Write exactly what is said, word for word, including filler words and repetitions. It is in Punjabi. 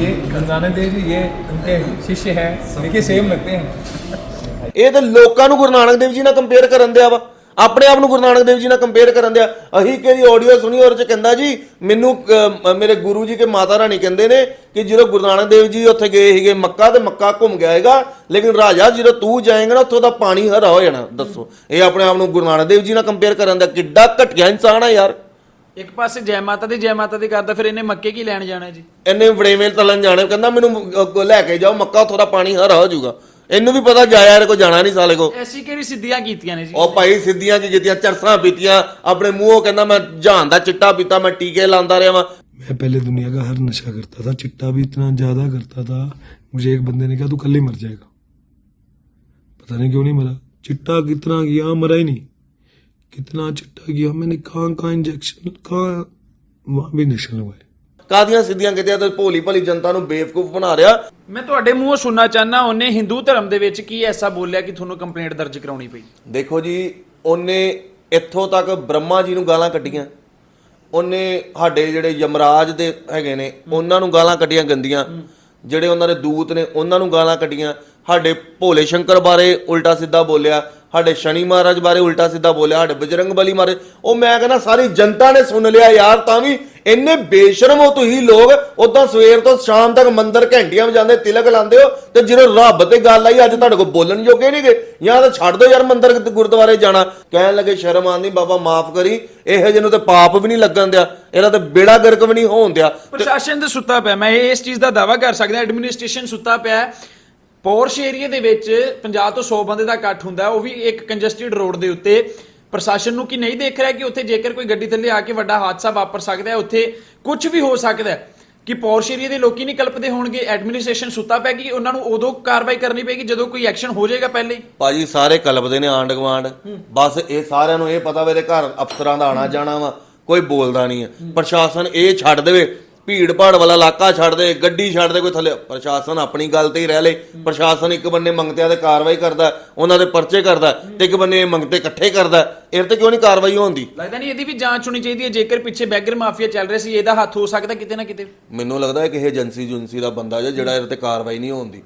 ये गुरु नानक देव जी ये उनके शिष्य है, देखिए सेम लगते हैं। ਇਹ ਤਾਂ ਲੋਕਾਂ ਨੂੰ ਗੁਰੂ ਨਾਨਕ ਦੇਵ ਜੀ ਨਾਲ ਕੰਪੇਅਰ ਕਰਨ ਦਿਆ ਵਾ, ਆਪਣੇ ਆਪ ਨੂੰ ਗੁਰੂ ਨਾਨਕ ਦੇਵ ਜੀ ਨਾਲ ਕੰਪੇਅਰ ਕਰਨ ਦਿਆ। ਅਸੀਂ ਕਿਹੜੀ ਆਡੀਓ ਸੁਣੀ ਉਹਦੇ ਚ ਕਹਿੰਦਾ ਜੀ ਮੈਨੂੰ ਅਹ, ਮੇਰੇ ਗੁਰੂ ਜੀ ਕੇ ਮਾਤਾ ਰਾਣੀ ਕਹਿੰਦੇ ਨੇ ਕਿ ਜਦੋਂ ਗੁਰੂ ਨਾਨਕ ਦੇਵ ਜੀ ਉੱਥੇ ਗਏ ਸੀਗੇ ਮੱਕਾ ਤੇ ਮੱਕਾ ਘੁੰਮ ਗਿਆ ਹੈਗਾ, ਲੇਕਿਨ ਰਾਜਾ ਜਦੋਂ ਤੂੰ ਜਾਏਂਗਾ ਨਾ ਉੱਥੋਂ ਦਾ ਪਾਣੀ ਹਰਾ ਹੋ ਜਾਣਾ। ਦੱਸੋ ਇਹ ਆਪਣੇ ਆਪ ਨੂੰ ਗੁਰੂ ਨਾਨਕ ਦੇਵ ਜੀ ਨਾਲ ਕੰਪੇਅਰ ਕਰਨ ਦਾ ਕਿੱਡਾ ਘਟੀਆ ਇਨਸਾਨ ਆ ਯਾਰ। ਇੱਕ ਪਾਸੇ ਜੈ ਮਾਤਾ ਦੀ ਜੈ ਮਾਤਾ ਦੀ ਕਰਦਾ, ਫਿਰ ਇਹਨੇ ਮੱਕੇ ਕੀ ਲੈਣ ਜਾਣਾ ਜੀ? ਇਹਨੇ ਵੜੇਵੇਂ ਤਲਣ ਜਾਣੇ, ਕਹਿੰਦਾ ਮੈਨੂੰ ਅੱਗੋਂ ਲੈ ਕੇ ਜਾਓ ਮੱਕਾ, ਉੱਥੋਂ ਦਾ ਪਾਣੀ ਹਰਾ ਹੋ ਜਾਊਗਾ। ਇਹਨੂੰ ਵੀ ਪਤਾ ਜਾਇਆ ਇਹਦੇ ਕੋ ਜਾਣਾ ਨਹੀਂ ਸਾਲੇ ਕੋ। ਐਸੀ ਕਿਹੜੀ ਸਿੱਧੀਆਂ ਕੀਤੀਆਂ ਨੇ ਜੀ? ਉਹ ਭਾਈ ਸਿੱਧੀਆਂ ਕੀ ਕੀਤੀਆਂ, ਚਰਸਾਂ ਪੀਤੀਆਂ, ਆਪਣੇ ਮੂੰਹੋਂ ਕਹਿੰਦਾ ਮੈਂ ਜਹਾਨ ਦਾ ਚਿੱਟਾ ਪੀਤਾ, ਮੈਂ ਟੀਕੇ ਲਾਉਂਦਾ ਰਿਹਾ ਵਾਂ। मैं पहले दुनिया का हर नशा करता था, चिट्टा भी इतना ज़्यादा करता था, मुझे एक बंदे ने कहा तू कल ही मर जाएगा। पता नहीं क्यों नहीं मरा। चिट्टा कितना किया, मरा ही नहीं। कितना चिट्टा किया मैंने, कहाँ कहाँ इंजेक्शन, कहाँ वहाँ भी नशा लगवाए। ਕਾਦੀਆਂ ਸਿੱਧੀਆਂ ਕੀਤੀਆਂ ਤੇ ਭੋਲੀ ਭਲੀ ਜਨਤਾ ਨੂੰ ਬੇਵਕੂਫ ਬਣਾ ਰਿਹਾ। ਮੈਂ ਤੁਹਾਡੇ ਮੂੰਹੋਂ ਸੁਣਨਾ ਚਾਹਨਾ, ਉਹਨੇ ਹਿੰਦੂ ਧਰਮ ਦੇ ਵਿੱਚ ਕੀ ਐਸਾ ਬੋਲਿਆ ਕਿ ਤੁਹਾਨੂੰ ਕੰਪਲੇਂਟ ਦਰਜ ਕਰਾਉਣੀ ਪਈ? ਦੇਖੋ ਜੀ, ਉਹਨੇ ਇੱਥੋਂ ਤੱਕ ਬ੍ਰਹਮਾ ਜੀ ਨੂੰ ਗਾਲਾਂ ਕੱਢੀਆਂ, ਉਹਨੇ ਸਾਡੇ ਜਿਹੜੇ ਯਮਰਾਜ ਦੇ ਹੈਗੇ ਨੇ ਉਹਨਾਂ ਨੂੰ ਗਾਲਾਂ ਕੱਢੀਆਂ ਗੰਦੀਆਂ, ਜਿਹੜੇ ਉਹਨਾਂ ਦੇ ਦੂਤ ਨੇ ਉਹਨਾਂ ਨੂੰ ਗਾਲਾਂ ਕੱਢੀਆਂ, ਸਾਡੇ ਭੋਲੇ ਸ਼ੰਕਰ ਬਾਰੇ ਉਲਟਾ ਸਿੱਧਾ ਬੋਲਿਆ, ਸਾਡੇ ਸ਼ਨੀ ਮਹਾਰਾਜ ਬਾਰੇ ਉਲਟਾ ਸਿੱਧਾ ਬੋਲਿਆ, ਸਾਡੇ ਬਜਰੰਗ ਬਲੀ ਮਾਰੇ। ਉਹ ਮੈਂ ਕਹਿੰਦਾ ਸਾਰੀ ਜਨਤਾ ਨੇ ਸੁਣ ਲਿਆ ਯਾਰ, ਤਾਂ ਵੀ ਇੰਨੇ ਬੇਸ਼ਰਮ ਹੋ ਤੁਸੀਂ ਲੋਕ। ਉਦਾਂ ਸਵੇਰ ਤੋਂ ਸ਼ਾਮ ਤੱਕ ਮੰਦਰ ਘੰਟੀਆਂ ਵਜਾਉਂਦੇ, ਤਿਲਕ ਲਾਉਂਦੇ ਹੋ, ਤੇ ਜਦੋਂ ਰੱਬ ਤੇ ਗੱਲ ਆਈ ਅੱਜ ਤੁਹਾਡੇ ਕੋਲ ਬੋਲਣ ਜੋਗੇ ਨਹੀਂ ਗਏ। ਜਾਂ ਤਾਂ ਛੱਡ ਦੋ ਯਾਰ ਮੰਦਰ ਗੁਰਦੁਆਰੇ ਜਾਣਾ। ਕਹਿਣ ਲੱਗੇ ਸ਼ਰਮ ਆਉਂਦੀ, ਬਾਬਾ ਮਾਫ ਕਰੀ, ਇਹੋ ਜਿਹੇ ਨੂੰ ਤੇ ਪਾਪ ਵੀ ਨਹੀਂ ਲੱਗਣ ਦਿਆ, ਇਹਦਾ ਤੇ ਬੇੜਾ ਗਰਕ ਵੀ ਨਹੀਂ ਹੋਣ ਦਿਆ। ਪ੍ਰਸ਼ਾਸਨ ਤੇ ਸੁੱਤਾ ਪਿਆ, ਮੈਂ ਇਸ ਚੀਜ਼ ਦਾ ਦਾਅਵਾ ਕਰ ਸਕਦਾ, ਐਡਮਿਨਿਸਟ੍ਰੇਸ਼ਨ ਸੁੱਤਾ ਪਿਆ। ਪੋਰਸ਼ ਏਰੀਆ ਦੇ ਵਿੱਚ ਪੰਜਾਹ ਤੋਂ ਸੌ ਬੰਦੇ ਦਾ ਇਕੱਠ ਹੁੰਦਾ, ਉਹ ਵੀ ਇੱਕ ਕੰਜਸਟਡ ਰੋਡ ਦੇ ਉੱਤੇ। ਪ੍ਰਸ਼ਾਸਨ ਨੂੰ ਕੀ ਨਹੀਂ ਦੇਖ ਰਿਹਾ ਕਿ ਉੱਥੇ ਜੇਕਰ ਕੋਈ ਗੱਡੀ ਥੱਲੇ ਆ ਕੇ ਵੱਡਾ ਹਾਦਸਾ ਵਾਪਰ ਸਕਦਾ ਹੈ, ਉੱਥੇ ਕੁਝ ਵੀ ਹੋ ਸਕਦਾ ਹੈ, ਕਿ ਪੋਰਸ਼ ਏਰੀਆ ਦੇ ਲੋਕੀ ਨਹੀਂ ਕਲਪਦੇ ਹੋਣਗੇ? ਐਡਮਿਨਿਸਟ੍ਰੇਸ਼ਨ ਸੁੱਤਾ ਪਿਆ ਕਿ ਉਹਨਾਂ ਨੂੰ ਉਦੋਂ ਕਾਰਵਾਈ ਕਰਨੀ ਪਏਗੀ ਜਦੋਂ ਕੋਈ ਐਕਸ਼ਨ ਹੋ ਜਾਏਗਾ ਪਹਿਲੇ ਹੀ? ਭਾਜੀ ਸਾਰੇ ਕਲਪਦੇ ਨੇ ਆਂਡ ਗਵਾਂਡ, ਬਸ ਇਹ ਸਾਰਿਆਂ ਨੂੰ ਇਹ ਪਤਾ ਵੇ ਇਹਦੇ ਘਰ ਅਫਸਰਾਂ ਦਾ ਆਣਾ ਜਾਣਾ ਵਾ, ਕੋਈ ਬੋਲਦਾ ਨਹੀਂ ਹੈ। ਪ੍ਰਸ਼ਾਸਨ ਇਹ ਛੱਡ ਦੇਵੇ, ਭੀੜ ਭਾੜ ਵਾਲਾ ਇਲਾਕਾ ਛੱਡ ਦੇ, ਗੱਡੀ ਛੱਡ ਦੇ, ਕੋਈ ਥੱਲੇ ਪ੍ਰਸ਼ਾਸਨ ਆਪਣੀ ਗੱਲ ਤੇ ਹੀ ਰਹਿ ਲੇ। ਪ੍ਰਸ਼ਾਸਨ ਇੱਕ ਬੰਨੇ ਮੰਗਤਿਆਂ ਤੇ ਕਾਰਵਾਈ ਕਰਦਾ, ਉਹਨਾਂ ਦੇ ਪਰਚੇ ਕਰਦਾ, ਤੇ ਇੱਕ ਬੰਨੇ ਮੰਗਤੇ ਇਕੱਠੇ ਕਰਦਾ। ਇਹ ਤੇ ਕਿਉਂ ਨਹੀਂ ਕਾਰਵਾਈ ਹੁੰਦੀ? ਲੱਗਦਾ ਨਹੀਂ ਇਹਦੀ ਵੀ ਜਾਂਚ ਹੋਣੀ ਚਾਹੀਦੀ ਹੈ? ਜੇਕਰ ਪਿੱਛੇ ਬੈਗਰ ਮਾਫੀਆ ਚੱਲ ਰਿਹਾ ਸੀ, ਇਹਦਾ ਹੱਥ ਹੋ ਸਕਦਾ ਕਿਤੇ ਨਾ ਕਿਤੇ। ਮੈਨੂੰ ਲੱਗਦਾ ਹੈ ਕਿ ਇਹ ਏਜੰਸੀ ਜੁੰਸੀ ਦਾ ਬੰਦਾ ਜਿਹੜਾ ਇਹਦੇ ਤੇ ਕਾਰਵਾਈ ਨਹੀਂ ਹੁੰਦੀ।